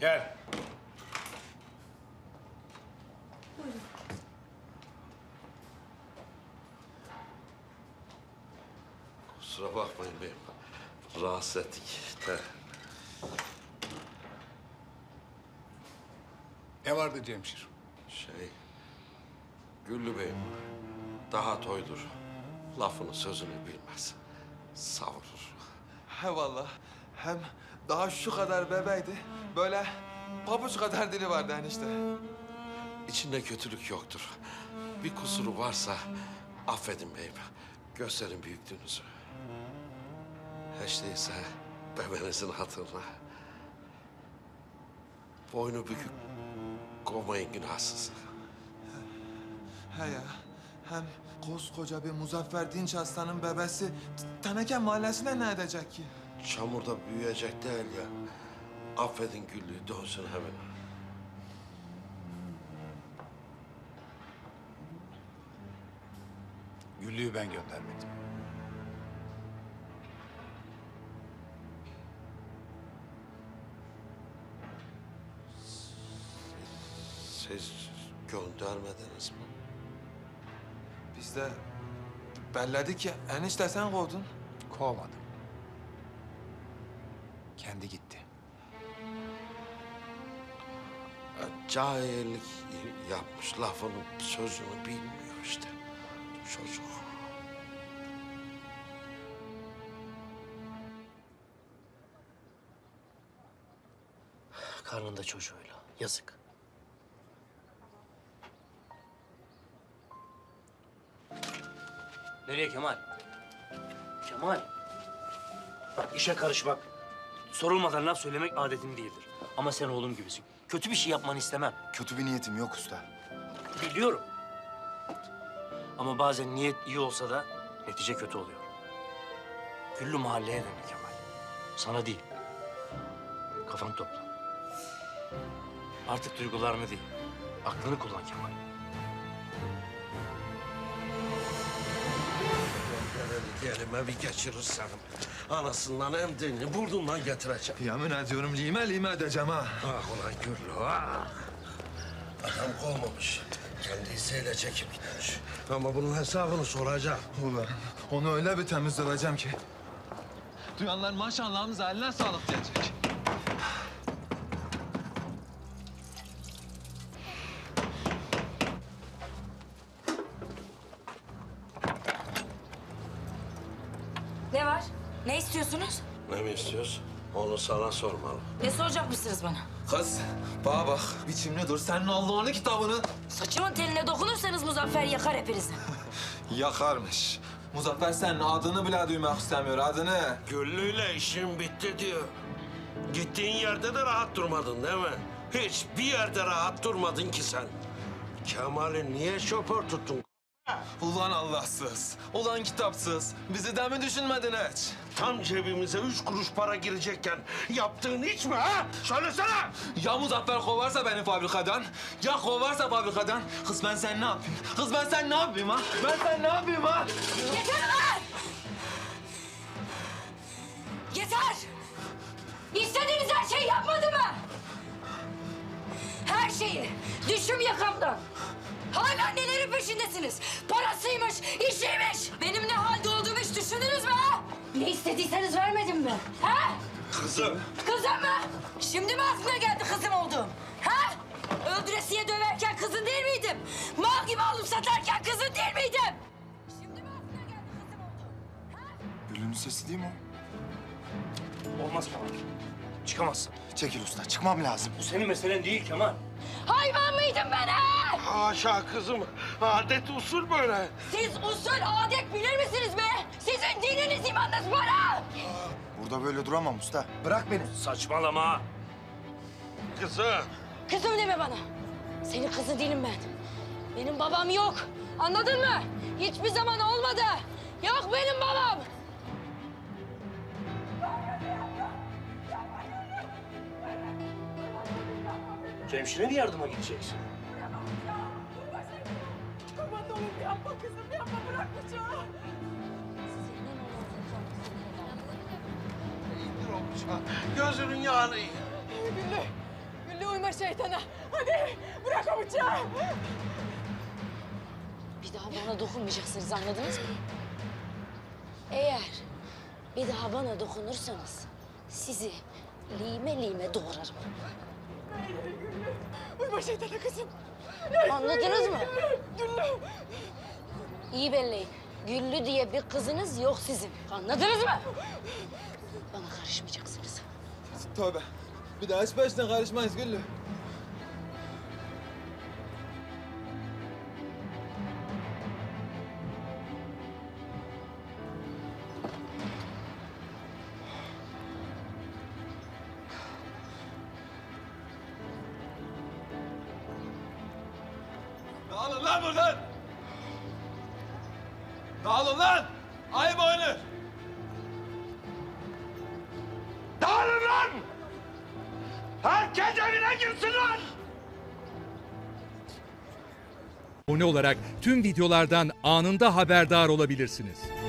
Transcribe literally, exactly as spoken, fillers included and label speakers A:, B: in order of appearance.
A: Gel. Kusura bakmayın beyim. Rahatsız ettik de.
B: Ne vardı Cemşir?
A: Şey... Güllü beyim daha toydur. Lafını sözünü bilmez. Savurur.
C: He vallahi. Hem daha şu kadar bebeydi. Böyle pabuç kadar dili vardı enişte.
A: İçinde kötülük yoktur. Bir kusuru varsa affedin beyim. Gösterin büyüklüğünüzü. Hiç değilse bebenizin hatırına. Boynu bükük kovmayın günahsız.
C: He ya. Hem koskoca bir Muzaffer Dinç Aslan'ın bebesi T- Teneke Mahallesi'ne ne edecek ki?
A: Çamurda büyüyecek değil ya. Affedin Güllü'yü dönsün hemen.
B: Güllü'yü ben göndermedim.
A: Siz göndermediniz mi?
C: Biz de belledik ki enişte sen kovdun.
B: Kovmadım. Kendi gitti.
A: Ya, Cahillik yapmış, lafının sözünü bilmiyor işte. Çocuk.
D: Karnında çocuğuyla. Yazık. Nereye Kemal? Kemal. Bak işe karışmak, sorulmadan laf söylemek adetim değildir. Ama sen oğlum gibisin. Kötü bir şey yapmanı istemem.
E: Kötü bir niyetim yok usta.
D: Biliyorum. Ama bazen niyet iyi olsa da netice kötü oluyor. Güllü mahalleye döndü Kemal. Sana değil. Kafanı topla. Artık duygularını değil, aklını kullan Kemal.
A: Elime bir geçirirsem anasından emdiğini burnundan getireceğim.
C: Yemin ediyorum lime lime edeceğim ha.
A: Ah ulan Güllü ah. Adam kovmamış. Kendi isteğiyle çekip gitmiş. Ama bunun hesabını soracağım.
C: Ulan onu öyle bir temiz döveceğim ki. Duyanlar maşallahımıza eline sağlık diyecek.
F: Ne var? Ne istiyorsunuz?
A: Ne mi istiyoruz? Onu sana sormalı.
F: Ne soracakmışsınız bana?
C: Kız bana bak biçimli dur. Senin Allah'ın kitabını
F: Saçımın teline dokunursanız Muzaffer yakar hepinizi.
C: yakarmış. Muzaffer senin adını bile duymak istemiyor, adını.
A: Güllü'yle işin bitti diyor. Gittiğin yerde de rahat durmadın değil mi? Hiçbir yerde rahat durmadın ki sen. Kemal'i niye şoför tuttun?
C: Ulan Allahsız, ulan kitapsız. Bizi de mi düşünmedin hiç?
A: Tam cebimize üç kuruş para girecekken yaptığın hiç mi ha? Söylesene!
C: Ya Muzaffer kovarsa beni fabrikadan, ya kovarsa fabrikadan. Kız ben sen ne yapayım? Kız ben sen ne yapayım ha? Ben sen ne yapayım ha?
F: Yeter lan! Yeter! İstediğiniz her şeyi yapmadı mı? Her şeyi. Düşüm yakamdan. Hala nelerin peşindesiniz? Parasıymış, işiymiş. Benim ne halde olduğumu hiç düşündünüz mü ha? Ne istediyseniz vermedim mi? Ha?
A: Kızım!
F: Kızım mı? Şimdi mi aklına geldi kızım olduğum? Ha? Öldüresiye döverken kızın değil miydim? Mal gibi alıp satarken kızın değil miydim? Şimdi mi aklına geldi kızım olduğum? Ha?
E: Güllü'nün sesi değil mi o?
D: Olmaz Kemal. Çıkamazsın.
E: Çekil usta, çıkmam lazım.
D: Bu senin meselen değil Kemal.
F: Hayvan mıydım ben ha?
A: Haşa kızım. Adet usul böyle.
F: Siz usul adet bilir misiniz be? Sizin dininiz imanınız var ha?
E: Burada böyle duramam usta. Bırak beni.
D: Saçmalama.
A: Kızım.
F: Kızım deme bana. Senin kızı değilim ben. Benim babam yok. Anladın mı? Hiçbir zaman olmadı. Yok benim babam.
D: Cemşire mi yardıma gideceksin?
G: Kurban olayım yapma kızım yapma bırak bıçağı.
A: İndir o bıçağı. Gözünün yağını yiyin.
G: Güllü Uyma şeytana. Hadi bırak o bıçağı.
F: Bir daha bana dokunmayacaksınız, anladınız mı? Eğer bir daha bana dokunursanız sizi lime lime doğrarım.
G: Uyma şeytana kızım.
F: Anladınız mı?
G: Güllü.
F: İyi belleyin. Güllü diye bir kızınız yok sizin. Anladınız mı? Bana karışmayacaksınız.
C: Tövbe. Bir daha hiç başına karışmayız Güllü. Dağılın lan buradan! Dağılın lan! Ayıp oyunu!
A: Dağılın lan! Herkes evine girsin lan!
H: Abone olarak tüm videolardan anında haberdar olabilirsiniz.